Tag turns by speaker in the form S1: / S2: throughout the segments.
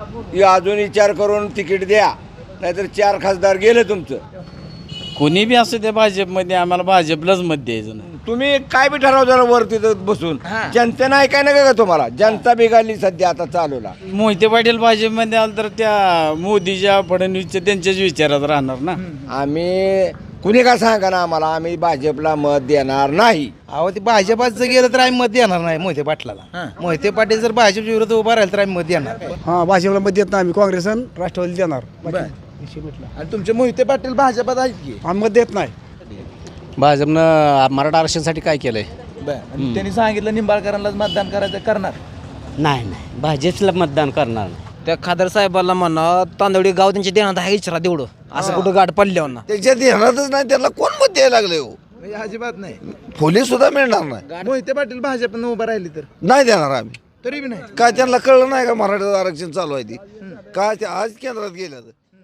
S1: की अजून विचार करून तिकीट द्या, नाहीतर 4 खासदार गेले तुमचं.
S2: कोणी बी असं ते भाजपमध्ये आम्हाला भाजपलाच मत द्यायचं नाही.
S1: तुम्ही काय बी ठराव जरा वर तिथं बसून जनतेनं ऐकाय नका का तुम्हाला. जनता बिघडली सध्या आता चालूला.
S2: मोहिते पाटील भाजपमध्ये आलं तर त्या मोदीच्या फडणवीसच्या त्यांच्याच विचारात राहणार ना.
S1: आम्ही कुणी का सांगा ना आम्हाला, आम्ही भाजपला मत देणार नाही.
S3: अहो ते भाजपात जर गेलं तर आम्ही मत देणार नाही मोहिते पाटलाला. मोहिते पाटील जर भाजपच्या विरोधात उभा राहील तर आम्ही मत देणार.
S4: हां, भाजपला मत देत नाही आम्ही. काँग्रेस आणि राष्ट्रवादी देणार.
S3: आणि तुमचे मोहिते पाटील भाजपात आहेत की
S4: आम्ही मत देत नाही.
S5: भाजपनं मराठा आरक्षणासाठी काय केलंय?
S3: त्यांनी सांगितलं निंबाळकरांनाच मतदान करायचं, करणार
S6: नाही नाही भाजपला मतदान करणार.
S7: त्या खासदार साहेबांना म्हणा तांदवडी गाव त्यांच्या देण्यात आहे इचरा तेवढं असं कुठं गाठ पडल्यावर ना
S1: त्याच्या ध्यानातच नाही, त्याला कोण मत द्यायला लागले हो.
S3: म्हणजे अजिबात नाही.
S1: फुले सुद्धा मिळणार नाही.
S3: मोहिते पाटील भाजपनं उभा राहिली तर
S1: नाही देणार आम्ही.
S3: तरी बी नाही.
S1: काय त्यांना कळलं नाही का मराठा आरक्षण चालू आहे ती काय ते आज केंद्रात गेल्या.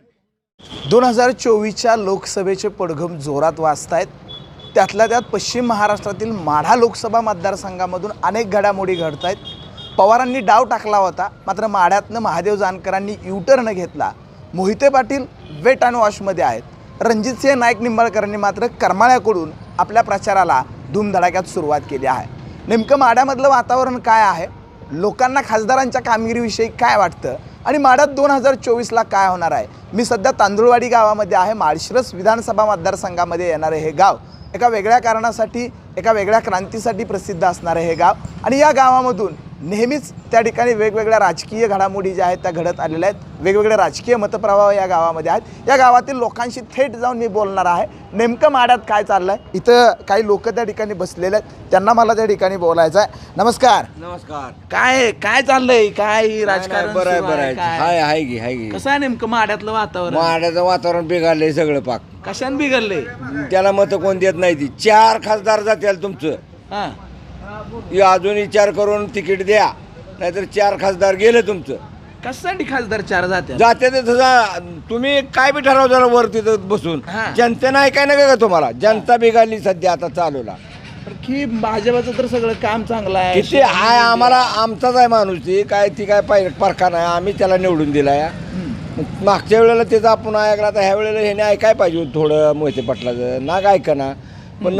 S3: 2024च्या लोकसभेचे पडघम जोरात वाजतायत. त्यातल्या त्यात पश्चिम महाराष्ट्रातील माढा लोकसभा मतदारसंघामधून अनेक घडामोडी घडत आहेत. पवारांनी डाव टाकला होता, मात्र माढ्यातनं महादेव जानकरांनी युटर्न घेतला. मोहिते पाटील वेट अँड वॉशमध्ये आहेत. रणजितसिंह नाईक निंबाळकरांनी मात्र करमाळ्याकडून आपल्या प्रचाराला धूमधडाक्यात सुरुवात केली आहे. नेमकं माढ्यामधलं वातावरण काय आहे, लोकांना खासदारांच्या कामगिरीविषयी काय वाटतं आणि माढ्यात 2024ला काय होणार आहे. मी सध्या तांदुळवाडी गावामध्ये आहे. माळशिरस विधानसभा मतदारसंघामध्ये येणारे हे गाव एका वेगळ्या कारणासाठी, एका वेगळ्या क्रांतीसाठी प्रसिद्ध असणारे हे गाव. आणि या गावामधून नेहमीच त्या ठिकाणी वेगवेगळ्या राजकीय घडामोडी ज्या आहेत त्या घडत आलेल्या आहेत. वेगवेगळे राजकीय मतप्रवाह या गावामध्ये आहेत. या गावातील लोकांशी थेट जाऊन मी बोलणार आहे. नेमकं माढ्यात काय चाललं आहे. इथं काही लोक त्या ठिकाणी बसलेले आहेत, त्यांना मला त्या ठिकाणी बोलायचं आहे. नमस्कार.
S1: नमस्कार.
S3: काय चाललंय, काय राजकारण
S1: बरं आहे,
S3: सुरू
S1: बरं
S3: आहे,
S1: आहे.
S3: काय?
S1: हाय हाय की हाय की.
S3: कसं आहे नेमकं माढ्यातलं वातावरण,
S1: माड्याचं वातावरण बिघडलंय सगळं पाक.
S3: कशाने बिघडलंय.
S1: त्याला मत कोण देत नाही. ती 4 खासदार जातील तुमचं.
S3: हा
S1: की अजून विचार करून तिकीट द्या, नाहीतर 4 खासदार गेले तुमचं.
S3: कशासाठी खासदार 4 जाते.
S1: जाते ते तुम्ही काय बी ठराव जरा वर तिथं बसून जनतेनं ऐकाय नका का तुम्हाला. जनता बिघडली सध्या आता चालूला.
S3: की भाजपाचं तर सगळं काम चांगलं आहे.
S1: किती हाय आम्हाला, आमचाच आहे माणूस. ती काय पाहिजे परका नाही. आम्ही त्याला निवडून दिलाय. मागच्या वेळेला त्याचं आपण ऐकला, तर ह्या वेळेला ह्याने ऐकाय पाहिजे होतं थोडं मोहिते पाटलाचं. नाग ऐका ना. पण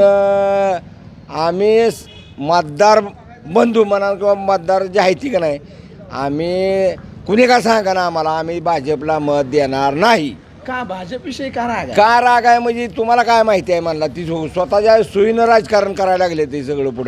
S1: आम्ही मतदार बंधू म्हणा किंवा मतदार जे आहे ती का नाही, आम्ही कुणी का सांगा ना आम्हाला, आम्ही भाजपला मत देणार नाही.
S3: का भाजपविषयी का राग आहे?
S1: का राग आहे म्हणजे तुम्हाला काय माहिती आहे म्हणला. ती स्वतःच्या सोयीनं राजकारण करायला लागले. ते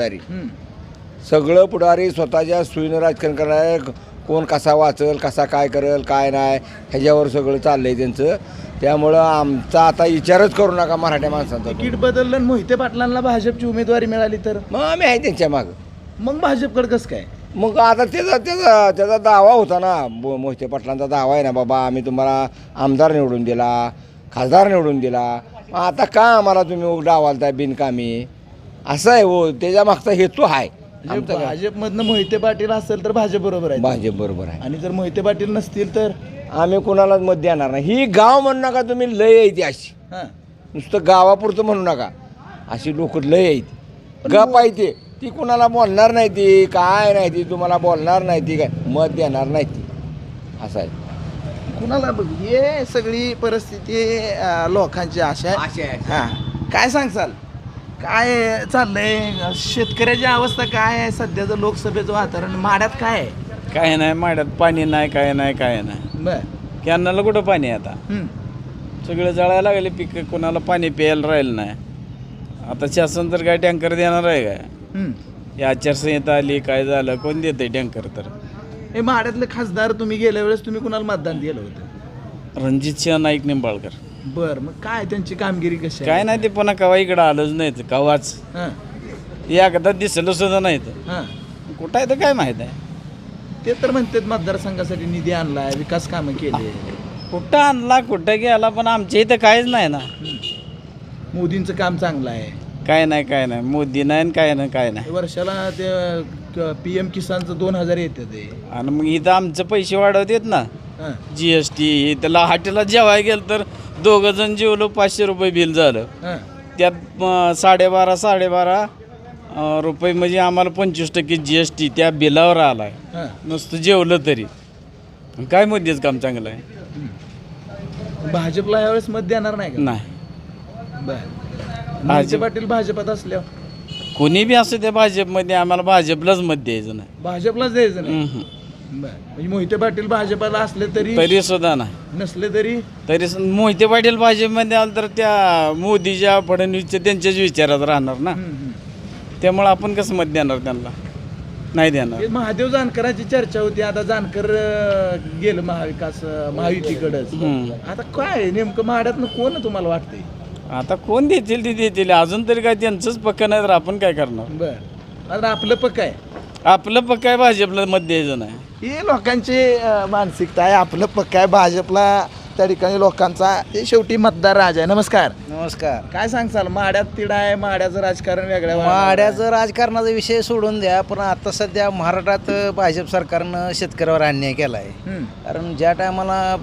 S1: सगळं पुढारी स्वतःच्या सोयीनं राजकारण करायला. कोण कसा वाचल, कसा काय करेल, काय नाही, ह्याच्यावर सगळं चाललंय त्यांचं. त्यामुळं आमचा आता विचारच करू नका मराठ्या माणसांचा.
S3: तिकीट बदललं, मोहिते पाटलांना भाजपची उमेदवारी मिळाली तर
S1: मग आम्ही आहे त्यांच्या मागं.
S3: मग भाजपकडे कसं काय.
S1: मग आता त्याचा दावा होता ना, मोहिते पाटलांचा दावा आहे ना, बाबा आम्ही तुम्हाला आमदार निवडून दिला, खासदार निवडून दिला, मग आता का आम्हाला तुम्ही डावालताय बिनकामी. असं आहे हो, त्याच्या मागचा हेतू आहे.
S3: भाजपमधनं मोहिते पाटील असेल तर भाजप बरोबर आहे.
S1: भाजप बरोबर आहे.
S3: आणि जर मोहिते पाटील नसतील तर
S1: आम्ही कुणालाच मत देणार नाही. ही गाव म्हणू नका तुम्ही, लय आहे ती अशी. नुसतं गावापुरतं म्हणू नका. अशी लोक लय आहेत. गप आहे ती कुणाला बोलणार नाही. ती काय नाही, ती तुम्हाला बोलणार नाही. ती काय मत देणार नाही ती. असं आहे.
S3: कुणाला बघ, हे सगळी परिस्थिती लोकांची आशा आहे. हा काय सांगसाल, काय चाललंय, शेतकऱ्याची अवस्था काय आहे, सध्याचं लोकसभेचं वातावरण माड्यात काय आहे.
S2: काय नाही माड्यात पाणी नाही, काय नाही, काय नाही.
S3: बर.
S2: कॅनलला कुठं पाणी आहे आता. सगळं जळायला लागले पिकं, कोणाला पाणी प्यायला राहिलं नाही. आता शासन तर काय टँकर देणार आहे काय. ही आचारसंहिता आली, काय झालं, कोण देते टँकर. तर
S3: हे माड्यातले खासदार तुम्ही गेल्या वेळेस तुम्ही कुणाला मतदान दिलं होतं.
S2: रणजितसिंह नाईक निंबाळकर.
S3: बर, मग काय त्यांची कामगिरी कशी आहे.
S2: काय नाही, ते पुन्हा कवा इकडं आलंच नाही. कवाच एकदा दिसलं सुद्धा नाही. तर कुठं आहे तर काय माहीत आहे.
S3: ते तर म्हणतात मतदारसंघासाठी निधी आणलाय, विकास कामं केली.
S2: कुठं आणला, कुठं गेला, पण आमच्या इथं काहीच नाही ना.
S3: मोदींचं काम चांगलं आहे.
S2: काय नाही, काय नाही, मोदी नाही, काय नाही, काय नाही.
S3: वर्षाला ते PM किसानचं 2000 येते ते.
S2: आणि मग इथं आमचं पैसे वाढवतात ना. GST त्याला हॉटेलला जेवायला गेलं तर 2 जण जेवलो, 500 रुपये बिल झालं. त्यात 12.5 रुपये म्हणजे आम्हाला 25% GST त्या बिलावर आलाय. नुसतं जेवलं तरी. काय मोदीच काम चांगलं आहे
S3: भाजपला यावेळेस मत देणार नाही का?
S2: नाही
S3: बर मोहिते पाटील भाजपात असल्यावर
S2: कोणी बी असं त्या भाजपमध्ये आम्हाला भाजपलाच मत द्यायचं नाही
S3: भाजपलाच द्यायचं नाही.
S2: हम्म.
S3: बर म्हणजे मोहिते पाटील भाजपाला असले तरी
S2: तरी सुद्धा नाही
S3: नसले तरी
S2: मोहिते पाटील भाजपमध्ये आलं तर त्या मोदीच्या फडणवीसच्या त्यांच्याच विचारात राहणार ना त्यामुळे आपण कसं मत देणार त्यांना नाही देणार
S3: हे महादेव जानकरांची चर्चा होती. आता जानकर गेलं महाविकास महायुतीकडंच. आता काय नेमकं माड्यातनं कोण तुम्हाला वाटतंय?
S2: आता कोण देतील ते देतील अजून तरी काय त्यांचंच पक्का नाही तर आपण काय करणार
S3: बर आता आपलं पक्क आहे.
S2: आपलं पक्का आहे भाजपला मत द्यायचं नाही
S3: ही लोकांची मानसिकता आहे. आपलं पक्क आहे भाजपला त्या ठिकाणी लोकांचा. हे शेवटी मतदार राज आहे. नमस्कार.
S6: नमस्कार.
S3: काय सांगचाल? माड्यात तिडा आहे, माड्याचं राजकारण वेगळ्या
S6: माड्याचं राजकारणाचा विषय सोडून द्या, पण आता सध्या महाराष्ट्रात भाजप सरकारनं शेतकऱ्यावर अन्याय केला आहे. कारण ज्या टायमाला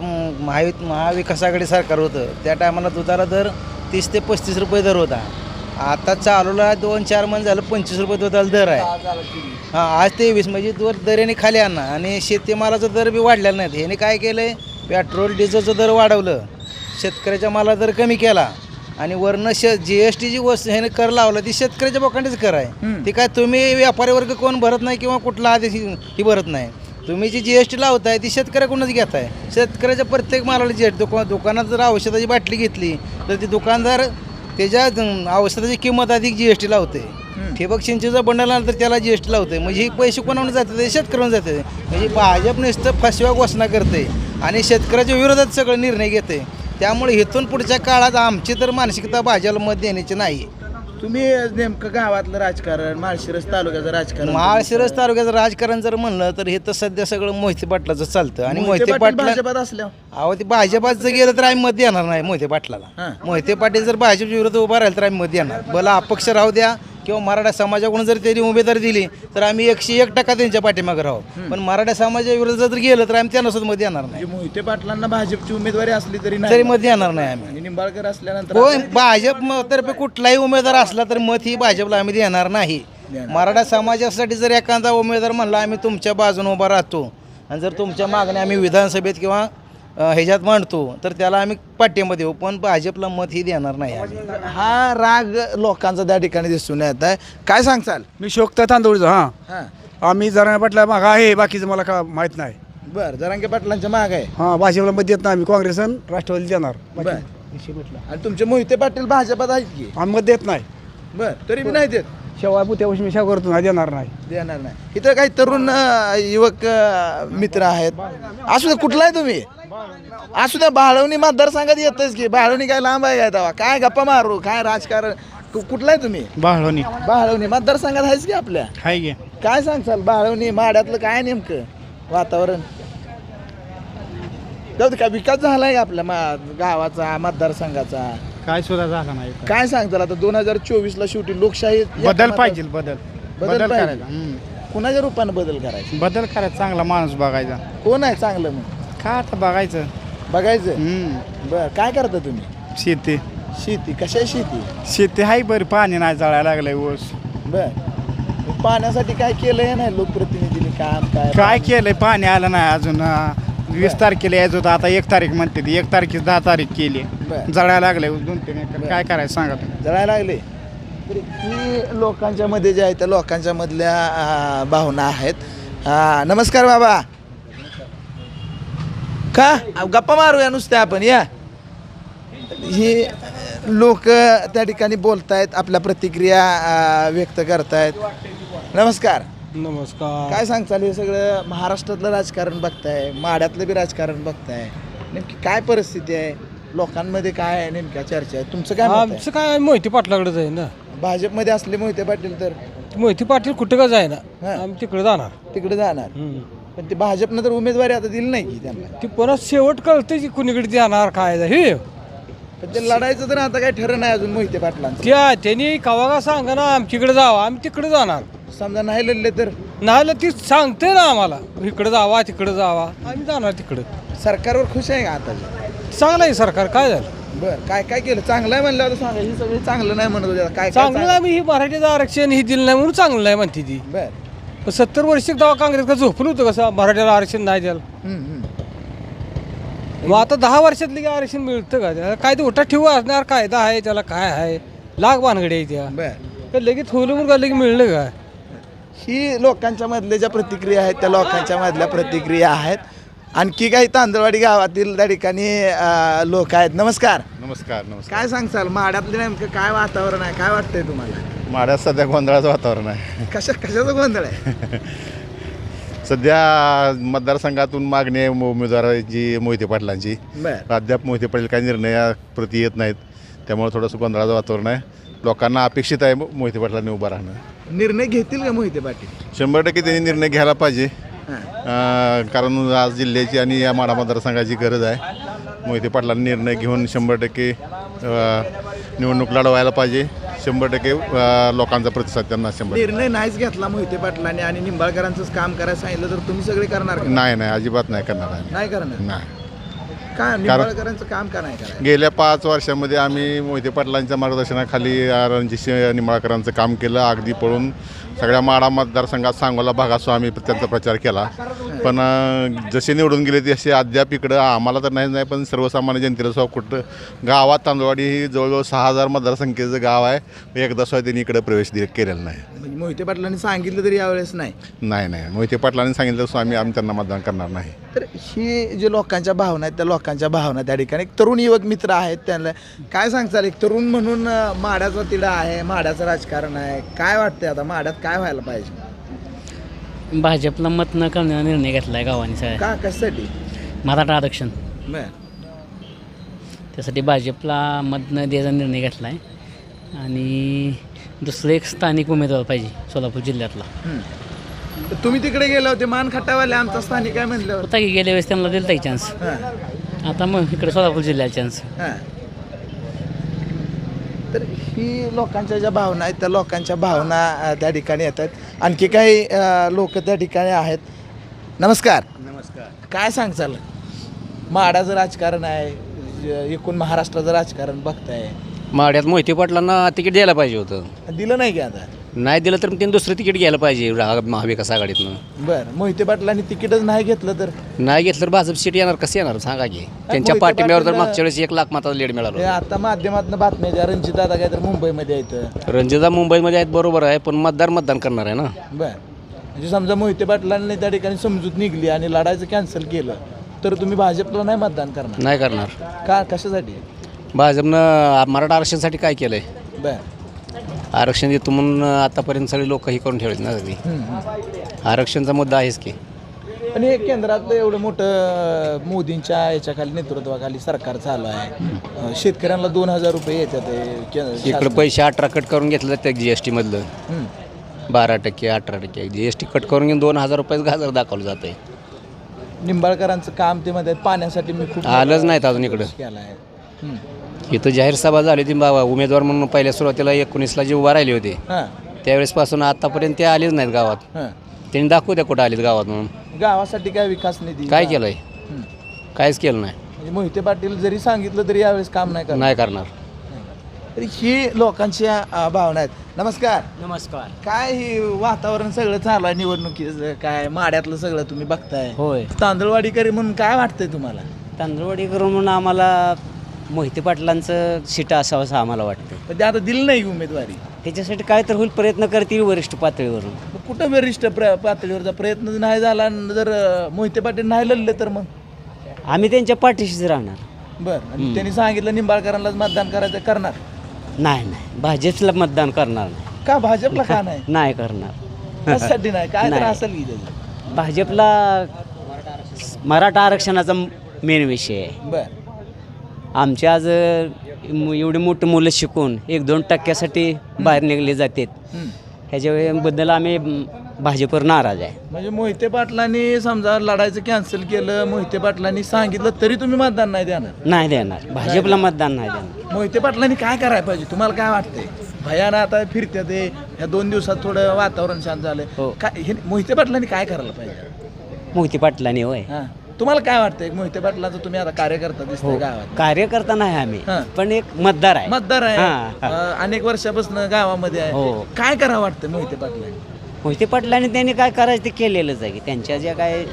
S6: महाविकास आघाडी सरकार होतं त्या टायमाला दुधाला दर 30 ते 35 रुपये दर होता. आता चालूला 2-4 महिने झालं 25 रुपये दुधाला दर आहे. हां आज 23 म्हणजे दराने खाली आणणार आणि शेतीमालाचा दर बी वाढलेला नाहीत. ह्याने काय केलं आहे पेट्रोल डिझेलचं दर वाढवलं, शेतकऱ्याच्या माला दर कमी केला आणि वरनं GST जी वस्तू ह्याने कर लावला ती शेतकऱ्याच्या बोकांडीच कर आहे. ती काय तुम्ही व्यापारी वर्ग कोण भरत नाही किंवा कुठला आदेश ही भरत नाही. तुम्ही जी GST लावताय ती शेतकऱ्याकडूनच घेताय. शेतकऱ्याच्या प्रत्येक मालाला GST दुकानात जर औषधाची बाटली घेतली तर ती दुकानदार त्याच्या औषधाची किंमत अधिक GST लावते. ठिबक सिंचनचा बंडल आला तर त्याला GST लावते. म्हणजे ही पैसे कोणावर जाते? शेतकऱ्यांना जाते. म्हणजे भाजप नुसतं फसव्या घोषणा करते आणि शेतकऱ्याच्या विरोधात सगळे निर्णय घेते. त्यामुळे इथून पुढच्या काळात आमची तर मानसिकता भाजपला मत देण्याची नाही.
S3: तुम्ही नेमकं गावातलं राजकारण, माळशिरस तालुक्याचं राजकारण,
S6: माळशिरस तालुक्याचं राजकारण जर म्हणलं तर हे तर सध्या सगळं मोहिते पाटलाचं चालतं. आणि मोहिते पाटील
S3: भाजपात असल्यावर
S6: अहो ते भाजपात जर गेलं तर आम्ही मत देणार नाही मोहिते पाटलाला. मोहिते पाटील जर भाजपच्या विरोधात उभा राहिला तर आम्ही मत देणार. भला अपक्ष राहू द्या किंवा मराठा समाजाकडून जर त्यांनी उमेदवारी दिली तर आम्ही 101% त्यांच्या पाठीमागे राहू. पण मराठा समाजाच्या विरोधात जर गेलं तर आम्ही त्यांना सुद्धा मत देणार नाही.
S3: मोहिते पाटलांना भाजपची उमेदवारी असली तरी
S6: तरी मत देणार नाही आम्ही.
S3: आणि निंबाळकर असल्यानंतर
S6: हो भाजप तर्फे कुठलाही उमेदवार असला तर मत ही भाजपला आम्ही देणार नाही. मराठा समाजासाठी जर एखादा उमेदवार म्हणला आम्ही तुमच्या बाजूने उभा राहतो आणि जर तुमच्या मागण्या आम्ही विधानसभेत किंवा ह्याच्यात मांडतो तर त्याला आम्ही पाठिंबा देऊ, पण भाजपला मत ही देणार नाही.
S3: हा राग लोकांचा त्या ठिकाणी दिसून येत आहे. काय सांगचाल?
S4: मी शोकता तांदूळचं. हां आम्ही जरा पाटला माग आहे, बाकीचं मला का माहीत नाही.
S3: बर जरांगे पाटलांच्या माग आहे.
S4: हां भाजपला मत देत नाही आम्ही, काँग्रेस आणि राष्ट्रवादी देणार.
S3: बर आणि तुमचे मोहिते पाटील भाजपात आहेत की?
S4: आम्ही मत देत नाही.
S3: बर तरी बी नाही देत.
S4: शेवा पुत्यापाशी मी शेवा करतो नाही देणार नाही.
S3: देणार नाही. इथं काही तरुण युवक मित्र आहेत. असू द्या कुठला आहे तुम्ही? असू द्या बाळवणी मतदारसंघात येतच की. बाळवणी काय लांब आहे काय तेव्हा? काय गप्पा मारू काय राजकारण? कुठला आहे तुम्ही? बाळवणी मतदारसंघात आहेच की आपल्या?
S4: आहे की.
S3: काय सांगचाल बाळवणी माड्यातलं काय नेमकं वातावरण? जाऊ दे, काय विकास झालाय आपल्या गावाचा मतदारसंघाचा?
S4: काय सुद्धा झाला नाही.
S3: काय सांगताल आता 2024 शेवटी लोकशाही
S4: बदल पाहिजे.
S3: बदल पाहिजे. कुणाच्या रूपानं बदल करायचा?
S4: बदल करायचा, चांगला माणूस बघायचा.
S3: कोण आहे चांगलं मग?
S4: काय आता बघायचं.
S3: बर काय करता तुम्ही?
S4: शेती.
S3: शेती कशा आहे शेती?
S4: शेती आहे बरी, पाणी नाही जळायला लागलंय ऊस.
S3: बर पाण्यासाठी काय केलंय नाही लोकप्रतिनिधीने काम?
S4: काय केलंय? पाणी आलं नाही अजून. 20 तारखेला यायचं होतं, आता 1 तारीख म्हणते ती. 1 तारखेच 10 तारीख केली. जळायला लागले 2-3 एकर. काय करायचं सांगा तुम्ही?
S3: जळायला लागले. तर ही लोकांच्या मध्ये ज्या आहेत त्या लोकांच्या मधल्या भावना आहेत. नमस्कार बाबा. का गप्पा मारूया नुसत्या आपण? या ही लोक त्या ठिकाणी बोलतायत, आपल्या प्रतिक्रिया व्यक्त करतायत. नमस्कार. काय सांगताल? हे सगळं महाराष्ट्रातलं राजकारण बघताय, माड्यातलं बी राजकारण बघताय, नेमकी काय परिस्थिती आहे? लोकांमध्ये काय आहे नेमक्या चर्चा आहे? तुमचं काय मत आहे?
S8: आमचं काय मोहिते पाटलाकडेच आहे ना.
S3: भाजपमध्ये असले मोहिते पाटील तर
S8: मोहिते पाटील कुठं का जाय ना, आम्ही तिकडे जाणार.
S3: तिकडे जाणार. पण ते भाजपनं तर उमेदवारी आता दिली नाही की त्यांना.
S8: ती परत शेवट कळते की कुणीकडे जाणार काय हे.
S3: पण ते लढायचं तर आता काय ठरलं नाही अजून मोहिते पाटलांचं.
S8: त्यांनी कवा का सांगा ना आमच्याकडे जावं, आम्ही तिकडे जाणार.
S3: समजा नाही लढले तर?
S8: नाही ती सांगते ना आम्हाला इकडे जावा तिकडे जावा, आम्ही जाणार तिकडे.
S3: सरकारवर खुश आहे का आता?
S8: चांगलं आहे सरकार. काय झालं?
S3: बरं काय काय केलं? चांगलं आहे म्हणलं होतं सांगा. ही सगळी चांगलं नाही म्हणत होते. काय
S8: चांगलं आम्ही ही मराठीचं आरक्षण ही दिलं नाही म्हणून चांगलं नाही म्हणते ती.
S3: बरं
S8: 70 वर्ष तेव्हा काँग्रेस का झोपलं होतं कसं मराठीला आरक्षण नाही द्यायला. मग आता 10 वर्षातली काय आरक्षण मिळतं का त्याला? काय ते उठा ठेवू असणार कायदा आहे त्याला काय आहे लाख भानगडी आहे त्या
S3: बर
S8: तर लगेच ठेवलं म्हणून लगेच मिळलं काय
S3: ही लोकांच्या मधल्या ज्या प्रतिक्रिया आहेत त्या लोकांच्या मधल्या प्रतिक्रिया आहेत. आणखी काही तांदळवाडी गावातील त्या ठिकाणी लोक आहेत. नमस्कार.
S9: नमस्कार.
S3: काय सांगसाल माड्यातलं नेमकं काय वातावरण आहे, काय वाटतंय तुम्हाला?
S9: माड्यात सध्या गोंधळाचं वातावरण आहे.
S3: कशाचं गोंधळ आहे?
S9: सध्या मतदारसंघातून मागणी आहे उमेदवाराची मोहिते पाटलांची.
S3: बर
S9: अद्याप मोहिते पाटील काही निर्णयाप्रती येत नाहीत, त्यामुळे थोडंसं गोंधळाचं वातावरण आहे. लोकांना अपेक्षित आहे मोहिते पाटलांनी उभं राहणं.
S3: निर्णय घेतील का मोहिते पाटील?
S9: 100% त्यांनी निर्णय घ्यायला पाहिजे,
S3: हां.
S9: कारण आज जिल्ह्याची आणि या माढा मतदारसंघाची गरज आहे. मोहिते पाटलांनी निर्णय घेऊन 100% निवडणूक लढवायला पाहिजे. 100% लोकांचा प्रतिसाद त्यांना 100%.
S3: निर्णय नाहीच घेतला मोहिते पाटलांनी आणि निंबाळकरांचंच काम करायला सांगितलं तर तुम्ही सगळे करणार का?
S9: नाही अजिबात नाही करणार आहे.
S3: नाही करणार.
S9: नाही.
S3: का निंबाळकरांचं काम का नाही करायचं?
S9: गेल्या 5 वर्षामध्ये आम्ही मोहिते पाटलांच्या मार्गदर्शनाखाली रणजितसिंह निंबाळकरांचं काम केलं. अगदी पळून सगळ्या माढा मतदारसंघात सांगोला भागासो आम्ही त्यांचा प्रचार केला. पण जसे निवडून गेले तसे अद्याप इकडं आम्हाला तर नाही पण सर्वसामान्य जनतेला सुद्धा कुठं गावात तांदळवाडी ही जवळजवळ 6000 मतदारसंख्येचं गाव आहे. एकदा सुद्धा त्यांनी इकडे प्रवेश केलेला नाही.
S3: म्हणजे मोहिते पाटलांनी सांगितलं तरी यावेळेस नाही.
S9: नाही मोहिते पाटलांनी सांगितलं सो आम्ही त्यांना मतदान करणार नाही.
S3: तर ही जे लोकांच्या भावना आहेत त्या लोकांच्या भावना त्या ठिकाणी एक तरुण युवक मित्र आहेत, त्यांना काय सांगताल? एक तरुण म्हणून माड्याचा तिढा आहे, माड्याचं राजकारण आहे, काय वाटतंय आता माड्यात काय व्हायला पाहिजे?
S10: भाजपला मत न करण्याचा निर्णय घेतला आहे गावाने सगळ्या.
S3: का कशासाठी?
S10: मराठा आरक्षण
S3: बर
S10: त्यासाठी भाजपला मत न द्यायचा निर्णय घेतला आहे. आणि दुसरं एक स्थानिक उमेदवार पाहिजे सोलापूर जिल्ह्यातला.
S3: तर तुम्ही तिकडे गेले होते मान खटावाले आमचा स्थानिक काय म्हणल्यावर?
S10: होता की गेल्या वेळेस त्यांना दिला चान्स,
S3: हां
S10: आता मग इकडे सोलापूर जिल्ह्याला चान्स.
S3: हां. तर ही लोकांच्या ज्या भावना आहेत त्या लोकांच्या भावना त्या ठिकाणी येतात. आणखी काही लोक त्या ठिकाणी आहेत. नमस्कार. काय सांगचाल? माडाचं राजकारण आहे, एकूण महाराष्ट्राचं राजकारण बघताय.
S5: माड्यात मोहिते पाटलांना तिकीट द्यायला पाहिजे होतं.
S3: दिलं नाही की आता?
S5: नाही दिलं तर त्यांनी दुसरं तिकीट घ्यायला पाहिजे महाविकास आघाडीतनं.
S3: बरं, मोहिते पाटलांनी तिकीटच नाही घेतलं तर?
S5: नाही घेतलं तर भाजप सीट येणार, कसं येणार सांगा की? त्यांच्या
S3: मोहिते
S5: पाठिंब्यावर तर
S3: पाटील-
S5: मागच्या वेळेस 1 लाख मताचा लीड
S3: हे
S5: मिळाला.
S3: आता माध्यमातून बातम्या द्या, रणजित दादा काय तर मुंबईमध्ये येतं.
S5: रणजिता मुंबईमध्ये आहेत बरोबर आहे, पण मतदान करणार आहे ना.
S3: बरं, म्हणजे समजा मोहिते पाटलांनी त्या ठिकाणी समजूत निघली आणि लढायचं कॅन्सल केलं तर तुम्ही भाजपला नाही मतदान करणार?
S5: नाही करणार.
S3: का, कशासाठी?
S5: भाजपनं मराठा आरक्षणासाठी काय केलं आहे?
S3: बरं.
S5: आरक्षण देतो म्हणून आतापर्यंत सगळे लोक हे करून ठेवलेत ना. ती आरक्षणचा मुद्दा आहेच की.
S3: पण हे केंद्रातलं एवढं मोठं मोदींच्या याच्याखाली नेतृत्वाखाली सरकार चालू आहे. शेतकऱ्यांना 2000 रुपये येतात.
S5: इकडे पैसे 18 कट करून घेतले जातात GST मधलं. 12% 18% GST कट करून घेऊन 2000 रुपयाचं गाजर दाखवलं जात आहे.
S3: निंबाळकरांचं काम ते मध्ये पाण्यासाठी मी खूप
S5: आलंच नाहीत अजून इकडं.
S3: केला आहे.
S5: इथं जाहीर सभा झाली ती उमेदवार म्हणून पहिल्या सुरुवातीला 19ला जे उभा राहिले होते
S3: हां
S5: त्यावेळेसपासून आतापर्यंत ते आलेच नाहीत गावात.
S3: हां.
S5: त्यांनी दाखवू द्या कुठं आलेत गावात म्हणून.
S3: गावासाठी काय विकास निधी
S5: काय केलंय? काहीच केलं नाही.
S3: म्हणजे मोहिते पाटील जरी सांगितलं तरी यावेळेस काम नाही करणार.
S5: नाही करणार.
S3: तरी ही लोकांच्या भावना आहेत. नमस्कार.
S10: नमस्कार.
S3: काय ही वातावरण सगळं चालू आहे निवडणुकीचं, काय माड्यातलं सगळं तुम्ही बघताय.
S10: होय.
S3: तांदळवाडीकरी म्हणून काय वाटतंय तुम्हाला?
S10: तांदळवाडी करून म्हणून आम्हाला मोहिते पाटलांचं सीट असावं असं आम्हाला वाटतं.
S3: पण ते आता दिलं नाही उमेदवारी.
S10: त्याच्यासाठी काय तर होईल, प्रयत्न करतील वरिष्ठ पातळीवरून.
S3: मग कुठं वरिष्ठ पातळीवरचा प्रयत्न नाही झाला आणि जर मोहिते पाटील नाही लढले तर मग?
S10: आम्ही त्यांच्या पाठीशीच राहणार.
S3: बरं, आणि त्यांनी सांगितलं निंबाळकरांनाच मतदान करायचं, करणार?
S10: नाही भाजपला मतदान करणार नाही.
S3: का भाजपला का नाही?
S10: नाही करणार.
S3: त्यासाठी नाही, काय तर
S10: नाही.
S3: असेल की त्याचं.
S10: भाजपला मराठा आरक्षणाचा मेन विषय आहे.
S3: बरं.
S10: आमचे आज एवढे मोठे मुलं शिकून 1-2% बाहेर निघले जातात. ह्याच्याबद्दल आम्ही भाजपवर नाराज आहे.
S3: म्हणजे मोहिते पाटलांनी समजा लढायचं कॅन्सल केलं, मोहिते पाटलांनी सांगितलं तरी तुम्ही मतदान नाही देणार?
S10: नाही देणार, भाजपला मतदान नाही देणार.
S3: मोहिते पाटलांनी काय करायला पाहिजे तुम्हाला काय वाटतंय? भयानं आता फिरत्या ते ह्या 2 दिवसात थोडं वातावरण शांत झालंय.
S10: हो.
S3: काय हे मोहिते पाटलांनी काय करायला पाहिजे?
S10: मोहिते पाटलांनी होय.
S3: हां, तुम्हाला काय वाटतंय? मोहिते पाटलाचं तुम्ही आता कार्यकर्ता दिसतोय गावात.
S10: कार्यकर्ता नाही आम्ही,
S3: हां.
S10: पण एक मतदार आहे.
S3: मतदार आहे.
S10: हां.
S3: अनेक वर्षापासून गावामध्ये आहे.
S10: हो.
S3: काय करावं वाटतं मोहिते पाटलांनी?
S10: मोहिते पाटलांनी त्यांनी काय करायचं ते केलेलंच आहे की त्यांच्या ज्या काय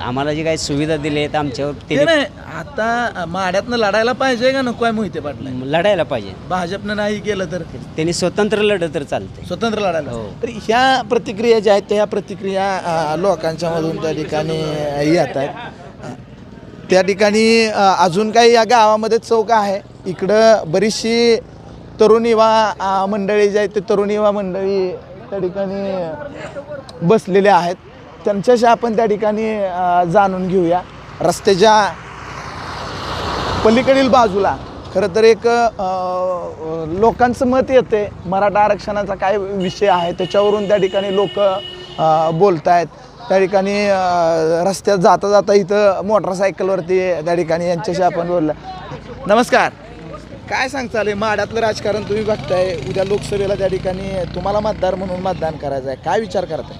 S10: आम्हाला जे काही सुविधा दिल्या आहेत आमच्यावर
S3: ते
S10: ते
S3: नाही आता माड्यातनं लढायला पाहिजे का नको आहे मोहिते पाटला
S10: लढायला पाहिजे.
S3: भाजपनं नाही केलं तर
S10: त्यांनी स्वतंत्र लढलं तर चालतंय.
S3: स्वतंत्र लढायला
S10: हो.
S3: तर ह्या प्रतिक्रिया ज्या आहेत त्या प्रतिक्रिया लोकांच्या मधून त्या ठिकाणी येत आहेत. त्या ठिकाणी अजून काही या गावामध्ये चौक आहे. इकडं बरीचशी तरुण युवा मंडळी जी आहेत ते तरुण युवा मंडळी त्या ठिकाणी बसलेले आहेत. त्यांच्याशी आपण त्या ठिकाणी जाणून घेऊया. रस्त्याच्या पलीकडील बाजूला खरं तर एक लोकांचं मत येते मराठा आरक्षणाचा काय विषय आहे त्याच्यावरून त्या ठिकाणी लोक बोलत आहेत. त्या ठिकाणी रस्त्यात जाता जाता इथं मोटरसायकलवरती त्या ठिकाणी यांच्याशी आपण बोलला. नमस्कार, काय सांगताल माड्यातलं राजकारण तुम्ही बघताय. उद्या लोकसभेला त्या ठिकाणी तुम्हाला मतदार म्हणून मतदान करायचं आहे, काय विचार करताय?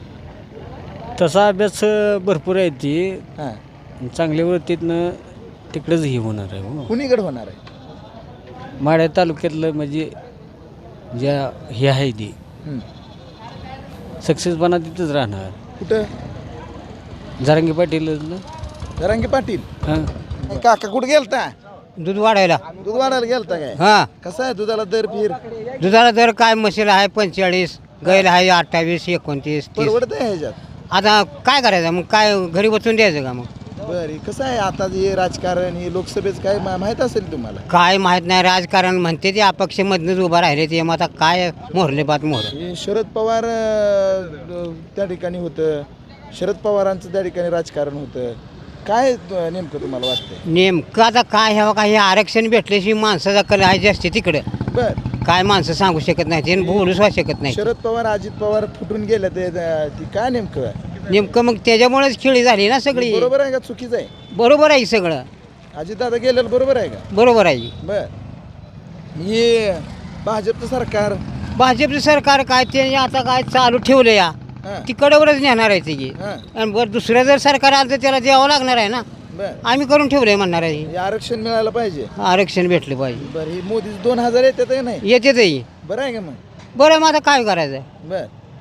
S8: तसा अभ्यास भरपूर आहे ती
S3: हां,
S8: चांगल्या वृत्तीतनं तिकडेच हे होणार आहे हो.
S3: कुणीकडे होणार आहे?
S8: माढ्या तालुक्यातलं म्हणजे ज्या हे आहे ती सक्सेसपणा तिथंच राहणार.
S3: कुठं?
S8: जरांगी पाटील
S3: जरांगे पाटील.
S8: हां
S3: काका कुठे गेलता?
S7: दूध वाढायला.
S3: दूध वाढायला गेलता काय?
S7: हां,
S3: कसं आहे दुधाला दर फिर?
S7: दुधाला दर काय म्हशीला आहे 45, गायला आहे 28, 29, 30.
S3: परवडत आहे ह्याच्यात?
S7: आता काय करायचं मग, काय घरी बसून द्यायचं का मग?
S3: बरं, कसं आहे आता हे राजकारण हे लोकसभेचं काय माहित असेल तुम्हाला?
S7: काय माहीत नाही. राजकारण म्हणते ते अपक्षमधनंच उभा राहिले ते. मग आता काय मोहरले बात मोहर.
S3: हे शरद पवार त्या ठिकाणी होतं, शरद पवारांचं त्या ठिकाणी राजकारण होतं. काय नेमकं तुम्हाला वाटतंय?
S7: नेमकं आता काय ह्यावं काय हे आरक्षण भेटल्याशी माणसाचा कल आहे जास्ती तिकडे.
S3: बर,
S7: काय माणसं सांगू शकत नाही ते, बोलूच शकत नाही.
S3: शरद पवार अजित पवार फुटून गेले ते ती काय नेमकं आहे?
S7: नेमकं मग त्याच्यामुळेच खेळी झाली ना सगळी.
S3: बरोबर आहे का चुकीचं आहे?
S7: बरोबर आहे सगळं,
S3: अजित दादा गेलेलं बरोबर आहे का?
S7: बरोबर आहे.
S3: बर, हे भाजपचं सरकार
S7: भाजपचं सरकार काय ते आता काय चालू ठेवलं या
S3: हां,
S7: तिकडवरच नेणार आहे त्याची.
S3: हां,
S7: आणि बरं दुसरं जर सरकार आलं तर त्याला द्यावं लागणार आहे ना.
S3: बर,
S7: आम्ही करून ठेवलंय म्हणणार आहे.
S3: हे आरक्षण मिळालं पाहिजे.
S7: आरक्षण भेटलं पाहिजे.
S3: बरं, ही मोदी 2000 येतात का नाही?
S7: येते तेही
S3: बरं आहे का मग?
S7: बरं. मग आता काय करायचं,
S3: बर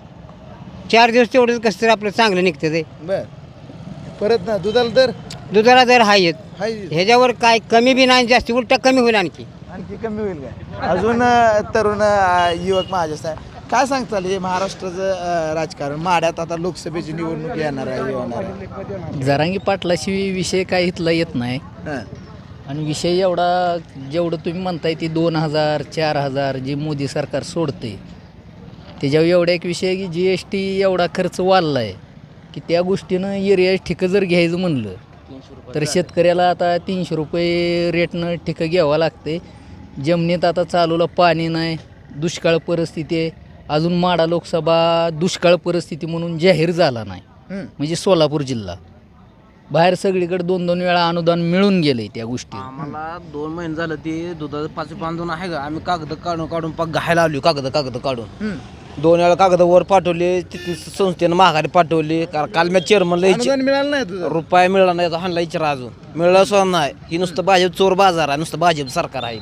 S7: 4 दिवस तेवढंच कसं तरी आपलं चांगलं निघतं ते.
S3: बर, परत ना दुधाला दर
S7: दुधाला दर हा येत
S3: हाय,
S7: ह्याच्यावर काय कमी बी नाही, जास्ती उलटा कमी होईल आणखी.
S3: आणखी कमी होईल काय? अजून तरुण युवक माझ्या काय सांगताल हे महाराष्ट्राचं राजकारण माड्यात आता लोकसभेची निवडणूक येणार आहे, होणार आहे.
S11: जरांगी पाटलाशी विषय काय इथला येत नाही.
S3: हां,
S11: आणि विषय एवढा जेवढं तुम्ही म्हणताय ती 2000 4000 जे मोदी सरकार सोडते त्याच्यावर एवढा एक विषय आहे की GST एवढा खर्च वाढला आहे की त्या गोष्टीनं एरिया ठिकं जर घ्यायचं म्हणलं तर शेतकऱ्याला आता 300 रुपये रेटनं ठिकं घ्यावं लागते. जमिनीत आता चालूला पाणी नाही, दुष्काळ परिस्थिती आहे. अजून माढा लोकसभा दुष्काळ परिस्थिती म्हणून जाहीर झाला नाही. म्हणजे सोलापूर जिल्हा बाहेर सगळीकडे 2-2 वेळा अनुदान मिळून गेले त्या गोष्टी.
S7: आम्हाला 2 महिने झालं ते दुधाचं 5 बांधून आहे का, आम्ही कागद काढून पाक घायला आलो. कागद काढून 2 वेळा कागद वर पाठवले, तिथून संस्थेनं माघारी पाठवली. काल मी चेअरमनला
S3: अनुदान मिळालं नाही तुझं?
S7: रुपया मिळाला नाही, हाणला विचारा अजून मिळाला सुद्धा नाही. ही नुसतं भाजप चोर बाजार आहे, नुसतं भाजप सरकार आहे.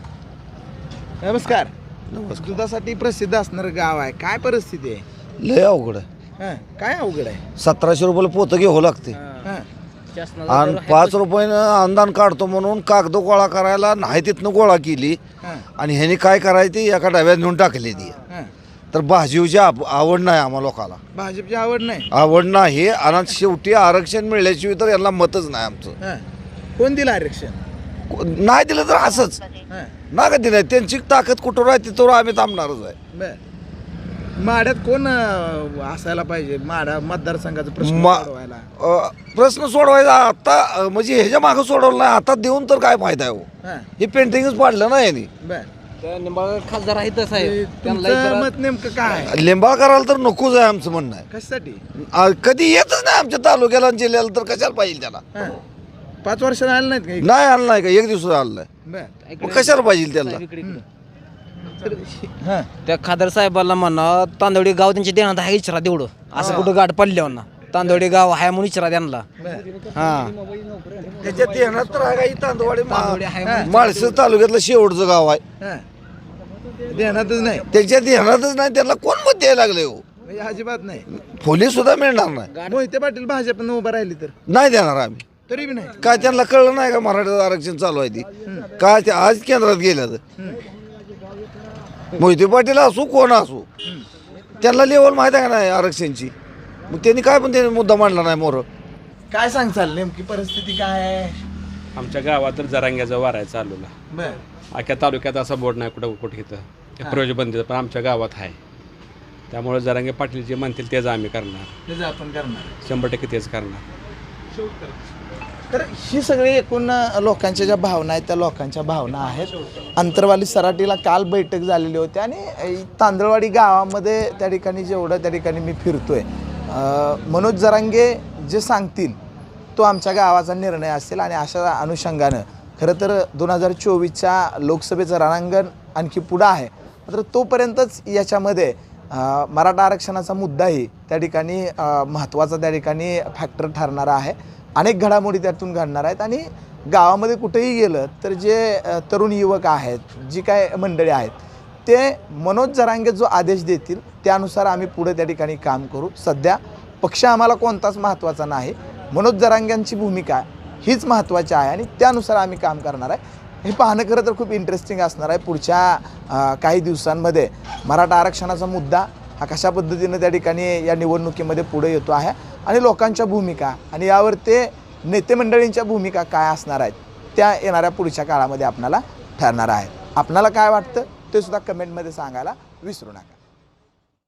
S3: नमस्कार. दुधासाठी प्रसिद्ध असणार गाव आहे, काय परिस्थिती आहे?
S1: लय अवघड आहे.
S3: हां, काय अवघड आहे?
S1: 1700 रुपयाला पोतं घ्यावं लागते
S3: हां,
S1: आणि 5 रुपयानं अनुदान काढतो म्हणून कागद गोळा करायला नाही तिथनं गोळा केली
S3: हां,
S1: आणि ह्यानी काय करायची एका डब्यात नेऊन टाकली ती.
S3: हां.
S1: तर भाजीवची आवड नाही आम्हा लोकाला,
S3: भाजपची आवड नाही.
S1: आवड नाही. आणि शेवटी आरक्षण मिळल्याशिवाय तर यांना मतच नाही आमचं.
S3: हां, कोण दिलं आरक्षण?
S1: नाही दिलं तर असंच
S3: हां,
S1: ना कधी नाही. त्यांची ताकद कुठं राहते तर आम्ही थांबणारच आहे.
S3: बर. माड्यात कोण असायला पाहिजे माडा मतदारसंघाचा प्रश्न
S1: मा-
S3: सोडवायला?
S1: प्रश्न सोडवायचा आता म्हणजे ह्याच्या मागं सोडवलं नाही, आता देऊन तर काय फायदा आहे हो.
S3: हां,
S1: हे पेंटिंगच पाडलं ना यांनी.
S3: बर.
S7: निंबाळकर खासदार आहे तसं आहे.
S3: तुमचं मत नेमकं काय आहे?
S1: लिंबाळकराला तर नकोच आहे आमचं म्हणणं आहे.
S3: कशासाठी?
S1: कधी येतच नाही आमच्या तालुक्याला आणि जिल्ह्याला, तर कशाला पाहिजे त्याला?
S3: हां, 5 वर्षाला आलं नाहीत काही?
S1: नाही आलं नाही का, एक दिवस आलं नाही,
S3: बर.
S1: मग कशाला पाहिजे त्याला?
S3: हां,
S7: त्या खासदार साहेबाला म्हणा तांदवडी गाव त्यांच्या देण्यात आहे, विचारा तेवढं. असं कुठं गाठ पडल्यावर ना तांदवडी गाव आहे म्हणून विचारा त्यांना. हां,
S1: त्याच्यात येणार तर आहे का ही तांदवाडी
S3: हां.
S1: माळशेर तालुक्यातलं शेवटचं गाव आहे.
S3: हां. देण्यातच नाही.
S1: त्याच्यात येणारच नाही, त्याला कोण मत द्यायला लागले हो?
S3: म्हणजे अजिबात नाही.
S1: फुली सुद्धा मिळणार नाही.
S3: मोहिते पाटील भाजपनं उभं राहिली तर
S1: नाही देणार आम्ही.
S3: तरी बी नाही.
S1: काय त्यांना कळलं नाही का मराठा आरक्षण चालू आहे ती काय ते आज केंद्रात गेल्या मोहिते पाटील असू कोण असू त्यांना लेवल माहिती आहे का नाही आरक्षणची. मग त्यांनी काय पण त्यांनी मुद्दा मांडला नाही मोर.
S3: काय सांगचाल नेमकी परिस्थिती काय आहे?
S12: आमच्या गावात तर जरांग्याचा वार आहे चालूला.
S3: बर
S12: अख्ख्या तालुक्यात असा बोर्ड नाही कुठं कुठे इथं प्रयोजबंदीचं, पण आमच्या गावात आहे. त्यामुळे जरांगे पाटील जे म्हणतील तेच आम्ही करणार,
S3: त्याचं आपण करणार.
S12: 100% तेच करणार.
S3: तर ही सगळी एकूण लोकांच्या ज्या भावना आहेत त्या लोकांच्या भावना आहेत. अंतरवाली सराटीला काल बैठक झालेली होती आणि तांदळवाडी गावामध्ये त्या ठिकाणी जेवढं त्या ठिकाणी मी फिरतोय मनोज जरांगे जे सांगतील तो आमच्या गावाचा निर्णय असेल. आणि अशा अनुषंगानं खरं तर 2024च्या लोकसभेचं रणांगण आणखी पुढं आहे. मात्र तोपर्यंतच याच्यामध्ये मराठा आरक्षणाचा मुद्दाही त्या ठिकाणी महत्त्वाचा त्या ठिकाणी फॅक्टर ठरणारा आहे. अनेक घडामोडी त्यातून घडणार आहेत आणि गावामध्ये कुठेही गेलं तर जे तरुण युवक आहेत, जी काय मंडळी आहेत, ते मनोज जरांगे जो आदेश देतील त्यानुसार आम्ही पुढे त्या ठिकाणी काम करू. सध्या पक्ष आम्हाला कोणताच महत्त्वाचा नाही, मनोज जरांग्यांची भूमिका हीच महत्त्वाची आहे आणि त्यानुसार आम्ही काम करणार आहे. हे पाहणं खरं तर खूप इंटरेस्टिंग असणार आहे. पुढच्या काही दिवसांमध्ये मराठा आरक्षणाचा मुद्दा हा कशा पद्धतीनं त्या ठिकाणी या निवडणुकीमध्ये पुढे येतो आहे आणि लोकांच्या भूमिका आणि यावर ते नेते मंडळींच्या भूमिका काय असणार आहेत त्या येणाऱ्या पुढच्या काळामध्ये आपणाला ठरणार आहेत. आपणाला काय वाटतं ते सुद्धा कमेंटमध्ये सांगायला विसरू नका.